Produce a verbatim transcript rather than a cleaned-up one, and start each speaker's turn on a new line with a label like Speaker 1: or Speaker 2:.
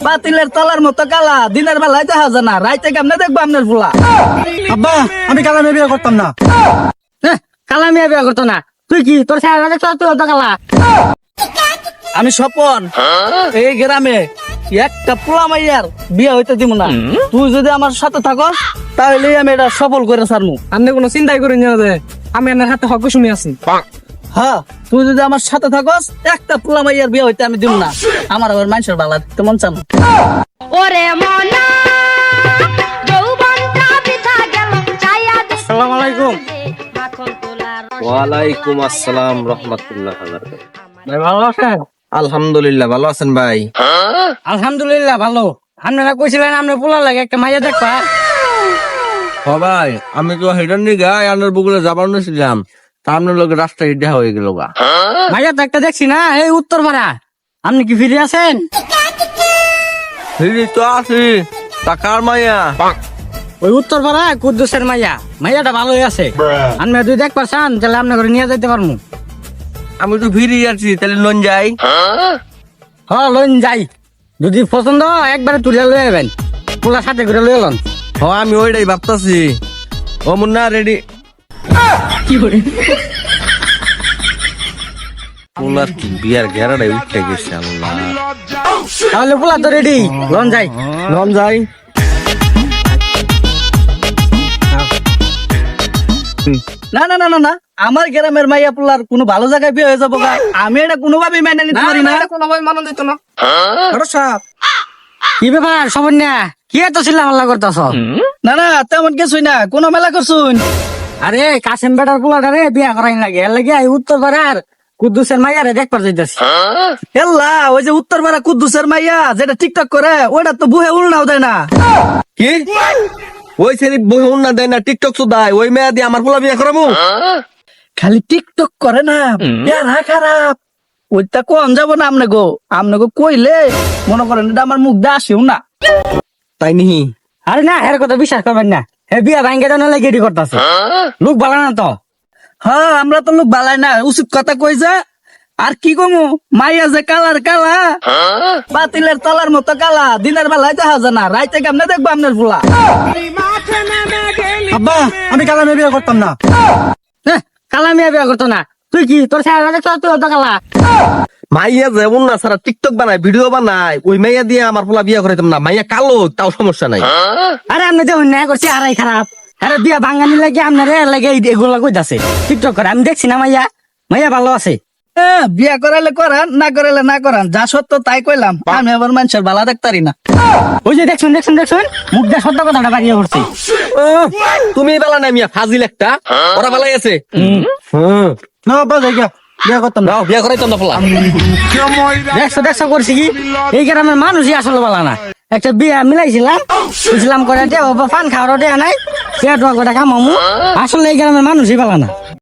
Speaker 1: বাতিলের তলার মতো কালা, দিনের বেলায় দেখা যায় না, রাইতে কেমনে দেখবো আপনার ফুলা?
Speaker 2: আব্বা আমি কালা মেয়ে বিয়ে করতাম না।
Speaker 3: হ্যাঁ, কালা মেয়ে বিয়ে করতো না। তুই কি তোর সারা দেখছ তুই অত কালা?
Speaker 1: আমি স্বপন, এই গ্রামে একটা পোলা মাইয়ার বিয়ে হইতে দিব না। তুই যদি আমার সাথে থাকো তাহলে আমি এটা সফল করে ছাড়মু।
Speaker 3: আপনি কোনো চিন্তাই করি না যে আমি আপনার হাতে হক শুনে আছি।
Speaker 1: হ্যাঁ, তুই যদি আমার সাথে থাকস একটা পোলা মাইয়ার বিয়ে হইতে আমি দিব না। আমার আবার মানুষের বালা তেমন চান।
Speaker 4: ওরে মনা যৌবনটা বৃথা গেল ছায়া দে
Speaker 3: আসসালামু আলাইকুম।
Speaker 4: মাখন তোলার
Speaker 5: ওয়ালাইকুম আসসালাম রহমতুল্লাহ।
Speaker 3: ভাই ভালো আছেন?
Speaker 5: আলহামদুলিল্লাহ, ভালো আছেন ভাই?
Speaker 3: আলহামদুলিল্লাহ ভালো। আপনারা কইছিলেন আপনার পোলা লাগে একটা মাইয়া দেখবা।
Speaker 5: হ ভাই, আমি তো হেডার নিগা আনার বগুলে যাবার নিছিলাম, তা আপনার লোক রাস্তা ইডা হয়ে গেল গা।
Speaker 3: মাইয়া তো একটা দেখছি না, এই উত্তর পাড়া। আপনি কি ফিরে আছেন?
Speaker 5: ফিরি তো আছি, তা কার মাইয়া?
Speaker 3: ওই উত্তর পাড়া কুদ্দুসের মাইয়া। মাইয়াটা ভালোই আছে। আপনি যদি দেখবার চান তাহলে আপনার ঘরে নিয়ে যাইতে পারবো।
Speaker 5: আমি তো ফিরি আছি, তাহলে লন যাই।
Speaker 3: হ লইন যাই, যদি পছন্দ হয় একবারে তুলে লয়ে যাবেন, পোলা সাথে করে লয়ে লন।
Speaker 5: হ আমি ওইটাই ভাবতাছি। ও মুন্না রেডি? পোলার কি বিয়ার গেরাটাই উঠতে গেছে আল্লাহ।
Speaker 3: তাহলে পোলা তো রেডি, লন যাই।
Speaker 5: লন যাই।
Speaker 1: না না না না না, আমার গ্রামের মাইয়া পোলার কোনো ভালো জায়গায় বিয়ে হয়ে যাবো গা। আমি এটা কোনোভাবেই মেনে নিতে পারি না।
Speaker 3: কোনোভাবে মানন দিত না।
Speaker 1: আরো সাপ।
Speaker 3: কি ব্যাপার সবন না, কি এত চিল্লা হাল্লা করতেছ?
Speaker 1: না না, তেমন কিছুই না, কোনো মেলা করছুন।
Speaker 3: আরে কাশেম বেটার পোলাটা রে বিয়া করাই লাগে, এর লাগে এই উত্তর পাড়ার কুদ্দুসের মাইয়ারে দেখবার যাইতেছি।
Speaker 1: হেল্লা, ওই যে উত্তর পাড়া কুদ্দুসের মাইয়া যেটা টিকটক করে, ওটা তো বুহে উল্টাও দেয় না।
Speaker 5: কি ওই ছেলে বহু না দেয় না, টিকটক সুদায়, ওই মেয়া দিয়ে আমার পোলা বিয়া করাবো?
Speaker 1: খালি টিকটক করে না, পেয়ারা খারাপ। ওইটা কোন যাবো না আমনে গো, আমনে গো কইলে মনে করেন এটা আমার মুখ দিয়ে আসেও না।
Speaker 5: তাই নিহি?
Speaker 3: আরে না, এর কথা বিশ্বাস করবেন না। হে বিয়া ভাঙ্গে দেওয়া লাগে এটি করতেছে, লোক ভালো না তো।
Speaker 1: হ্যাঁ, আমরা তো লোক বালাই না, উচিত কথা কই যা। আর কি কমু, মাইয়া যে কালার কালা, বাতিলের তলার মতো কালা, দিনের বেলায় দেখা যায় না, রাইতে কেমনে দেখবো আপনার ফুলা?
Speaker 2: আব্বা আমি কালা মেয়ে বিয়ে করতাম না।
Speaker 3: হ্যাঁ, কালা মেয়ে বিয়া করতো না। তুই কি তোর সারা দেখছ তুই অত কালা?
Speaker 5: মাইয়া যেমন না সারা টিকটক বানায়, ভিডিও বানায়, ওই মাইয়া দিয়ে আমার পোলা বিয়া করাইতাম না। মাইয়া কালো, তাও সমস্যা নাই।
Speaker 3: আরে আপনি দেখুন না করছি আরাই খারাপ। আরে বিয়া ভাঙ্গানি লাগে আপনারে লাগে এগুলা কইতাছে টিকটক করে। আমি দেখছি না মাইয়া, মাইয়া ভালো আছে।
Speaker 1: হ্যাঁ, বিয়া করাইলে করান, না করাইলে না করান, যা সত্য তাই কইলাম। আমি আবার মানুষের ভালো দেখতারি না।
Speaker 3: ওই যে দেখছুন দেখছুন দেখছুন মুখ দিয়ে সত্য কথাটা বাড়িয়ে পড়ছি।
Speaker 5: ও, তুমি বেলা নাই মিয়া, ফাজিল একটা। ওরা বেলাই আছে। হুম,
Speaker 2: না আব্বা জায়গা বিয়ে করতাম না।
Speaker 5: নাও বিয়া করাইতাম না পোলা।
Speaker 3: দেখছো দেখছো করছি কি, এই গ্রামের মানুষই আসলে ভালো না। একটা বিয়া মিলাইছিলাম, বুঝলাম করে দে বাবা পান খাওয়ারও দেয়া নাই, পেট করে খামামু। আসলে এই গ্রামের মানুষই ভালো না।